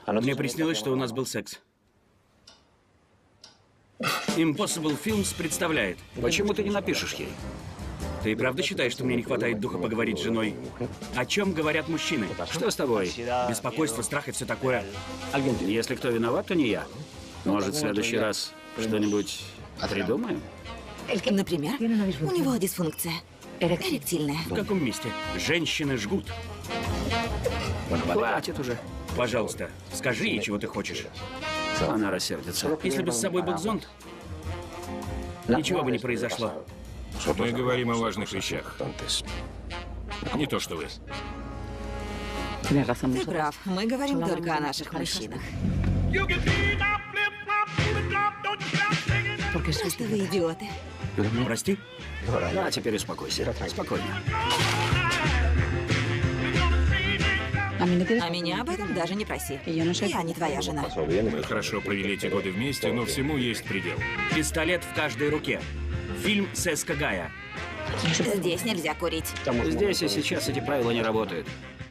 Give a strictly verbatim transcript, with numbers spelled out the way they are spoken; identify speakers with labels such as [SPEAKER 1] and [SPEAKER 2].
[SPEAKER 1] Мне приснилось, что у нас был секс. Impossible Films представляет.
[SPEAKER 2] Почему ты не напишешь ей?
[SPEAKER 1] Ты правда считаешь, что мне не хватает духа поговорить с женой? О чем говорят мужчины?
[SPEAKER 2] Что с тобой?
[SPEAKER 1] Беспокойство, страх и все такое.
[SPEAKER 2] Если кто виноват, то не я. Может, в следующий раз что-нибудь придумаем?
[SPEAKER 3] Например, у него дисфункция. Эректильная.
[SPEAKER 1] В каком месте? Женщины жгут.
[SPEAKER 2] Хватит уже.
[SPEAKER 1] Пожалуйста, скажи ей, чего ты хочешь.
[SPEAKER 2] Она рассердится.
[SPEAKER 1] Если бы с собой был зонт, ничего бы не произошло.
[SPEAKER 4] Мы говорим о важных вещах. Не то, что вы.
[SPEAKER 3] Ты прав. Мы говорим только о наших мужчинах. Просто вы идиоты.
[SPEAKER 1] Прости?
[SPEAKER 2] Да, теперь успокойся. Спокойно.
[SPEAKER 3] А меня об этом даже не проси. Я не твоя жена.
[SPEAKER 4] Мы хорошо провели эти годы вместе, но всему есть предел.
[SPEAKER 1] Пистолет в каждой руке. Фильм Сеска Гая.
[SPEAKER 3] Здесь нельзя курить.
[SPEAKER 2] Здесь и сейчас эти правила не работают.